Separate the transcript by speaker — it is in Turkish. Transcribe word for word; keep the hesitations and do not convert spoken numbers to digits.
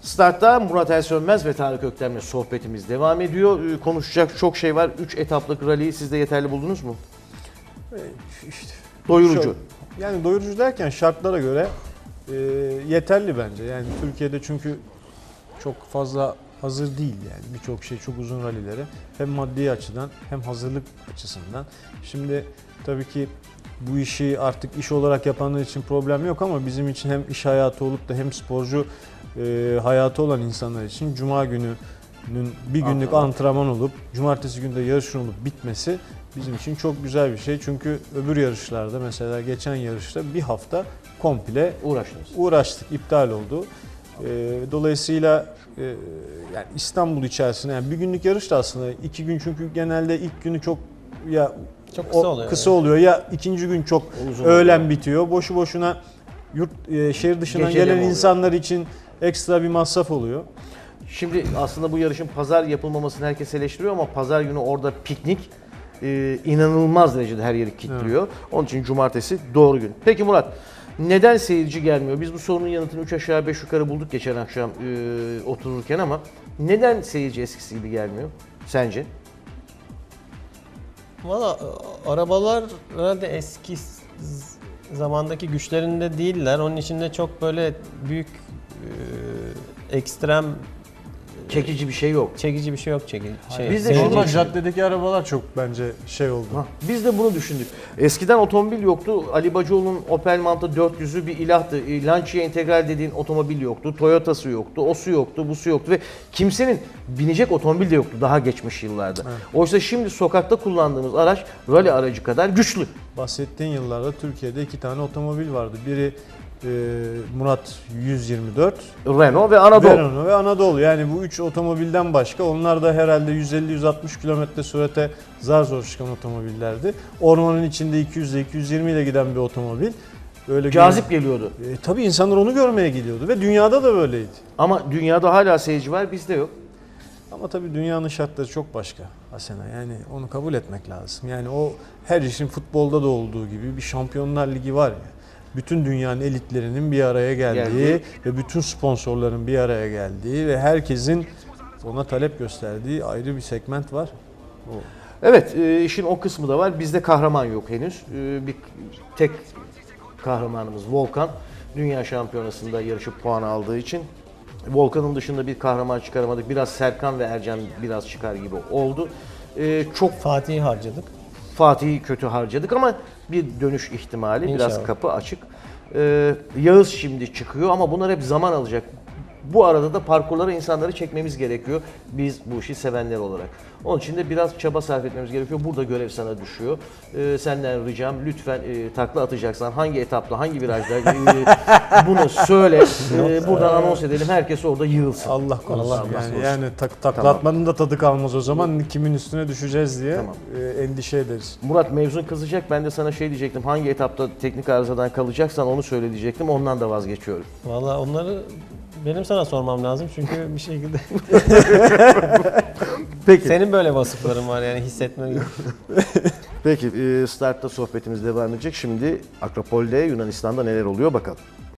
Speaker 1: Startta Murat Elsönmez ve Tarık Öktem'le sohbetimiz devam ediyor. Ee, Konuşacak çok şey var. üç etaplık rally'yi siz de yeterli buldunuz mu?
Speaker 2: E, işte,
Speaker 1: Doyurucu.
Speaker 2: şu- yani doyurucu derken şartlara göre e, yeterli bence. Yani Türkiye'de çünkü çok fazla hazır değil yani birçok şey, çok uzun rallileri. Hem maddi açıdan hem hazırlık açısından. Şimdi tabii ki bu işi artık iş olarak yapanlar için problem yok ama bizim için hem iş hayatı olup da hem sporcu e, hayatı olan insanlar için Cuma gününün bir günlük
Speaker 1: Antrenman.
Speaker 2: antrenman olup Cumartesi günü de yarışın olup bitmesi bizim için çok güzel bir şey. Çünkü öbür yarışlarda, mesela geçen yarışta bir hafta komple
Speaker 1: Uğraştınız.
Speaker 2: uğraştık, iptal oldu. E, dolayısıyla e, yani İstanbul içerisinde yani bir günlük yarış da aslında iki gün, çünkü genelde ilk günü çok ya
Speaker 3: Çok kısa
Speaker 2: o
Speaker 3: oluyor
Speaker 2: kısa
Speaker 3: yani.
Speaker 2: oluyor ya ikinci gün çok
Speaker 1: Uzun
Speaker 2: öğlen
Speaker 1: oluyor.
Speaker 2: bitiyor. Boşu boşuna yurt e, şehir dışından
Speaker 1: Gecede mi
Speaker 2: gelen
Speaker 1: oluyor?
Speaker 2: insanlar için ekstra bir masraf oluyor.
Speaker 1: Şimdi aslında bu yarışın pazar yapılmamasını herkes eleştiriyor ama pazar günü orada piknik e, inanılmaz derecede her yeri kilitliyor. Onun için cumartesi doğru gün. Peki Murat, neden seyirci gelmiyor? Biz bu sorunun yanıtını üç aşağı beş yukarı bulduk geçen akşam e, otururken ama neden seyirci eskisi gibi gelmiyor sence?
Speaker 3: Valla e, arabalar herhalde eski z- zamandaki güçlerinde değiller. Onun içinde çok böyle büyük e, ekstrem
Speaker 1: Çekici bir şey yok.
Speaker 3: çekici bir şey yok çekici. Şey,
Speaker 1: Biz de
Speaker 3: seyirci
Speaker 1: şunu
Speaker 2: Normal
Speaker 3: için.
Speaker 2: caddedeki arabalar çok bence şey oldu.
Speaker 1: Ha, biz de bunu düşündük. Eskiden otomobil yoktu. Ali Bacıoğlu'nun Opel Manta dört yüzü bir ilahtı. E, Lancia Integral dediğin otomobil yoktu. Toyota'sı yoktu. Osu yoktu, busu yoktu ve kimsenin binecek otomobil de yoktu daha geçmiş yıllarda. Oysa şimdi sokakta kullandığımız araç rally aracı kadar güçlü.
Speaker 2: Bahsettiğin yıllarda Türkiye'de iki tane otomobil vardı. Biri e, Murat yüz yirmi dört,
Speaker 1: Renault ve Anadolu.
Speaker 2: Renault ve Anadolu. Yani bu üç otomobilden başka, onlar da herhalde yüz elli yüz altmış kilometre sürate zar zor çıkan otomobillerdi. Ormanın içinde iki yüz ile iki yüz yirmi ile giden bir otomobil. Böyle
Speaker 1: Cazip geliyordu.
Speaker 2: E, tabii insanlar onu görmeye gidiyordu ve dünyada da böyleydi.
Speaker 1: Ama dünyada hala seyirci var, bizde yok.
Speaker 2: Ama tabii dünyanın şartları çok başka Asena. Yani onu kabul etmek lazım. Yani o her işin futbolda da olduğu gibi bir Şampiyonlar Ligi var ya. Bütün dünyanın elitlerinin bir araya geldiği
Speaker 1: Geldi.
Speaker 2: ve bütün sponsorların bir araya geldiği ve herkesin ona talep gösterdiği ayrı bir segment var. O.
Speaker 1: Evet, e, işin o kısmı da var. Bizde kahraman yok henüz. E, bir tek kahramanımız Volkan. Dünya Şampiyonası'nda yarışıp puan aldığı için. Volkan'ın dışında bir kahraman çıkaramadık. Biraz Serkan ve Ercan biraz çıkar gibi oldu. E, çok
Speaker 3: Fatih'i harcadık.
Speaker 1: Fatih'i kötü harcadık ama bir dönüş ihtimali, biraz
Speaker 3: İnşallah.
Speaker 1: kapı açık. E, Yağız şimdi çıkıyor ama bunlar hep zaman alacak. Bu arada da parkurlara insanları çekmemiz gerekiyor. Biz bu işi sevenler olarak. Onun için de biraz çaba sarf etmemiz gerekiyor. Burada görev sana düşüyor. Ee, senden ricam lütfen e, takla atacaksan hangi etapta, hangi virajda e, bunu söyle. E, buradan anons edelim. Herkes orada yığılsın.
Speaker 2: Allah korusun.
Speaker 1: Allah
Speaker 2: yani
Speaker 1: korusun.
Speaker 2: yani tak, takla
Speaker 1: Tamam.
Speaker 2: atmanın da tadı kalmaz o zaman. Kimin üstüne düşeceğiz diye
Speaker 1: Tamam.
Speaker 2: e, endişe ederiz.
Speaker 1: Murat mevzun kızacak. Ben de sana şey diyecektim. Hangi etapta teknik arızadan kalacaksan onu söyle diyecektim. Ondan da vazgeçiyorum.
Speaker 3: Valla onları benim sana sormam lazım çünkü bir şekilde
Speaker 1: Peki.
Speaker 3: senin böyle vasıfların var yani hissetmen gibi.
Speaker 1: Peki e, startta sohbetimiz devam edecek. Şimdi Akropol'de Yunanistan'da neler oluyor bakalım.